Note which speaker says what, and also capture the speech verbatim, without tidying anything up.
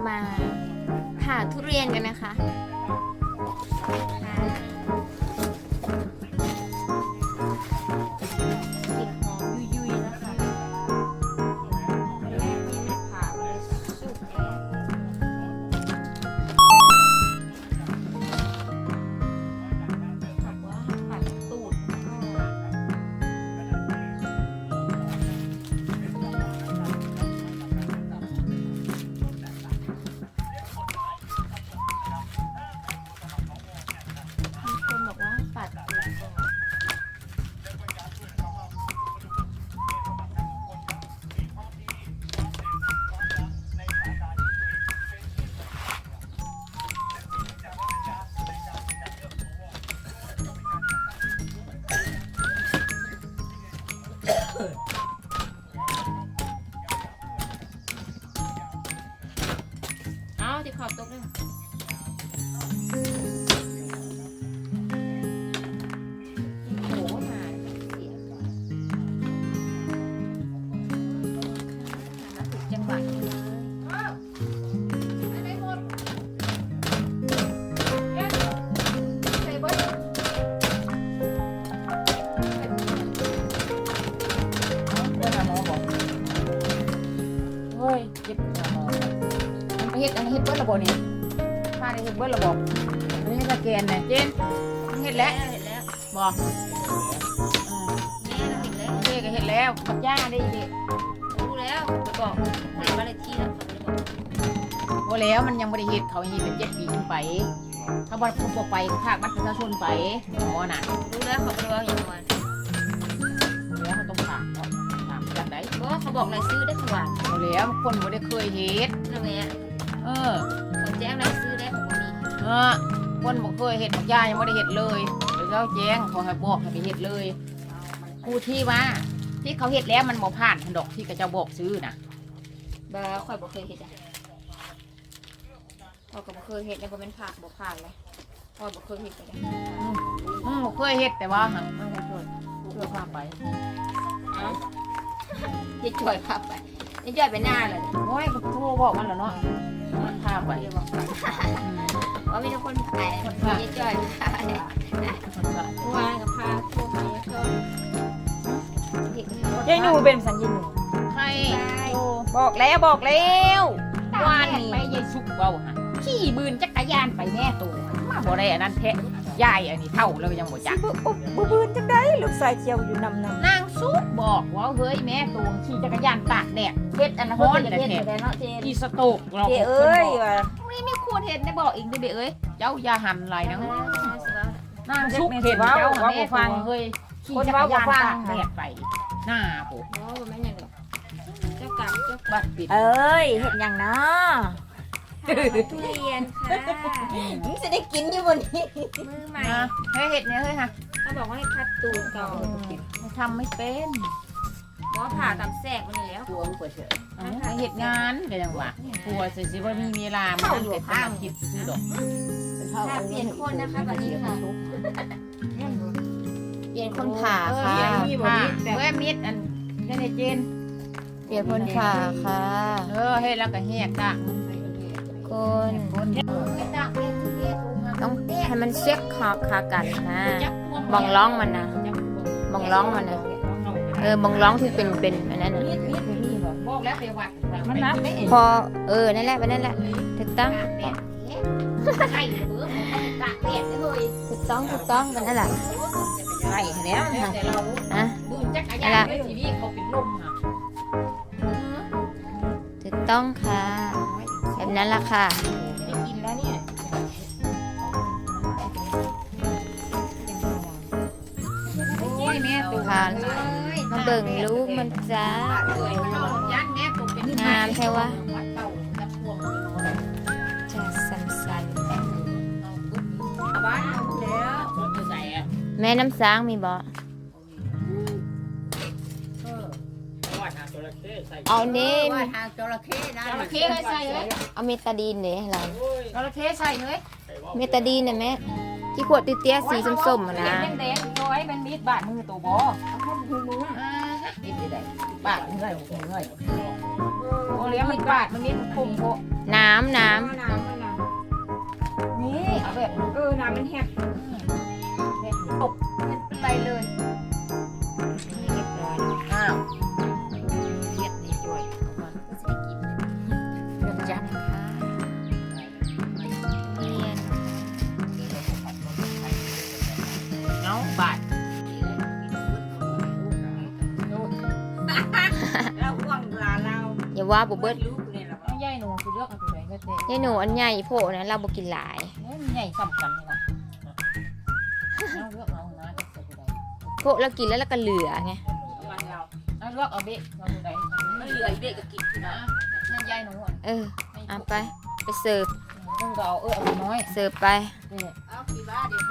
Speaker 1: มาผ่าทุเรียนกันนะคะติดหอมยุยๆนะคะผ่าเลยสุกแอนขับว่าผัดตูดเอาที่ขอบตกเลยโอ้มาเสียก่อนมาถึงจังหวะนี้เลยเฮ็ดอันนี้เฮ็ดเบิ้ลระบบนี่มาได้เฮ็ดเบิ้ลระบบอันนี้สแกนเนี่ยเจนเฮ็ดแล้วเฮ็ดแล้วบอกแม่เราเฮ็ดแล้วเจ๊ก็เฮ็ดแล้วกับย่าได้เด็กรู้แล้วไปบอกเห็นว่าอะไรที่แล้วเขาไม่ได้บอกว่าแล้วมันยังไม่ได้เฮ็ดเขาเฮ็ดเป็นเจ็ดปีขึ้นไปเขาบอกเขาบอกไปภาคบัตรประชาชนไปหมอน่ะรู้แล้วเขาไม่ได้ว่าอย่างไรแล้วเขาต้องถามเขาถามจากไหนเพราะเขาบอกรายชื่อได้ขวานแล้วคนไม่ได้เคยเฮ็ดนั่นแหละเออคนแจ้งรายชื่อได้ของมีเออคนบอกเคยเห็ดบอกยายังไม่ได้เห็ดเลยเดี๋ยวเขาแจ้งขอให้บอกให้ไปเห็ดเลยผู้ที่ว่าที่เขาเห็ดแล้วมันบ่ผ่านดอกที่กระเจ้าบอกซื้อนะบ้าข่อยบอกเคยเห็ดอ่ะข่อยก็บอกเคยเห็ดแล้วบ่เป็นผ่านบอกผ่านเลยข่อยบอกเคยเห็ดเลยอืมบอกเคยเห็ดแต่ว่าหังไม่เคยเคยพาไปยิ่งจ่อยพาไปยิ่งจ่อยไปหน้าเลยโอ้ยก็โทรบอกมันแล้วเนาะมันพาไปว่ามีทุกคนไปยิ่งจ่อยพาไปว่ากับพาโทรไปก็
Speaker 2: ยายหนูเป็นสัญญาหนู
Speaker 1: ใคร
Speaker 2: บอกแล้วบอกแล้ว
Speaker 1: วานไปยายสุกเบาฮะขี่บืนจักรยานไปแน่ตัวมาบ่ได้อันนั้นแท้ยายอันนี้เท่าแล้วยังบ่จัก
Speaker 2: บุบืนจังได้ลูกสายเจียวอยู่นำนำ
Speaker 1: นางสุกบอกว่าเฮ้ยแม่ตัวขี่จักรยานตากแดดเฮ็ดอันนั้นฮ้อนแต่แท้อีสโตกเรา
Speaker 2: เจเอ้ยว่ะ
Speaker 1: ไม่ไม่ควรเห็นได้บอกอีกได้เบเอ้ยเจ้าอย่าหันไหลนะนางสุกเห็นเจ้าแม่ฟังเฮ้ยขี่จักรยานตากแดดไปหน้าปุ๊บแม่ยังเจ้ากรรมเจ้าบัตรปิด
Speaker 2: เอ้ยเห็นอย่างนะ
Speaker 1: ทุเรียนค่ะ
Speaker 2: มึงจะได้กินอยู่บนนี้
Speaker 1: มือใหม่เฮ้ยเห็ดเนี่ยเฮ้ยค่ะเขาบอกว่าให้พัดตูดก่อนทำไม่เป็นว่าผ่าตามแทรกมันแล้วกลัวกลัวเฉยเห็ดงานก็ยังว่ากลัวสิสิว่ามีเวลามันเป็นข้างคิดซื้อดอกเปลี่ยนคนนะคะวันนี้ค่ะเปลี่ยนคนผ่าค่ะผ่าเว้ยมิดอันแค่ในเจนเปลี่ยนคนผ่าค่ะเออให้แล้วก็แหกตาคนต้องให้มันเช็คคอคากันนะบองร้องมันนะบองร้องมันนะเออบองร้องที่เป็นเป็นอันนั้นนะพอเออนั่นแหละไปนั่นแหละถูกต้องถูกต้องถูกต้องกันนั่นแหละใช่แล้วนะอ่ะอะไรถูกต้องค่ะแบบนั้นละค่ะกินแล้วเนี่ยโอ้ยแม่ตัวผ่านมาเบิ่งลูกมันจ้างามใช่วะจะสันๆแม่น้ำสางมีบ่เอาเน่
Speaker 3: ทางจระเข้นะ
Speaker 1: จระเข้ใส่เลย
Speaker 2: เอาเมตาดีนเนี่ยอะไร
Speaker 1: จระเข้ใส่เลย
Speaker 2: เมตาดีนเนี่ยแม่ที่ขวดเตี้ยๆสีส้มๆนะ
Speaker 1: แดงๆน้อยเป็นมีดบาดมือตัวบ่บาดเงยเงยโอ้เลี้ยงมันบาดมันมีดคมโผ
Speaker 2: น้ำน้
Speaker 3: น้ำน้ำมันน้
Speaker 1: นี่เอาแบบ
Speaker 3: ำเออน้ำมันแหบ
Speaker 1: แบบตบไปเลยนี่เรียบร้อยแล้วอ้าวเลียดนี่จ่วยเอามาก็จะได้กินเรื่องจับ
Speaker 2: ำนะคะเนียน
Speaker 1: เอาบาด
Speaker 3: เราห่วงหลานเรา
Speaker 2: อย่าว่าบ่เบิด
Speaker 3: ลูกเลยหรอ
Speaker 1: เอาใหญ่หนูสิเลือกเอาตัวไหนก็เตะ
Speaker 2: ยายหนูอันใหญ่โพนะเราบ่กินหลาย
Speaker 1: เนี่ยมันใหญ่ซ้ำกันนี่ล่ะเอาเลือกเอานะจะใส่ตัวใด
Speaker 2: โพเรากินแล้วเราก็เหลือไง
Speaker 3: วันเรา
Speaker 1: เอาเลือกเอาเบะเอาตัวใดมันเหลือไอ้เบะก็กินนะนั่นใหญ่หนูอ่ะ
Speaker 2: เออเอาไปไปเสิร์ฟ
Speaker 1: มึงก็เอาเออเอาน้อย
Speaker 2: เสิร์ฟไป
Speaker 1: นี่
Speaker 3: เอากี่บ้าเดี๋ยว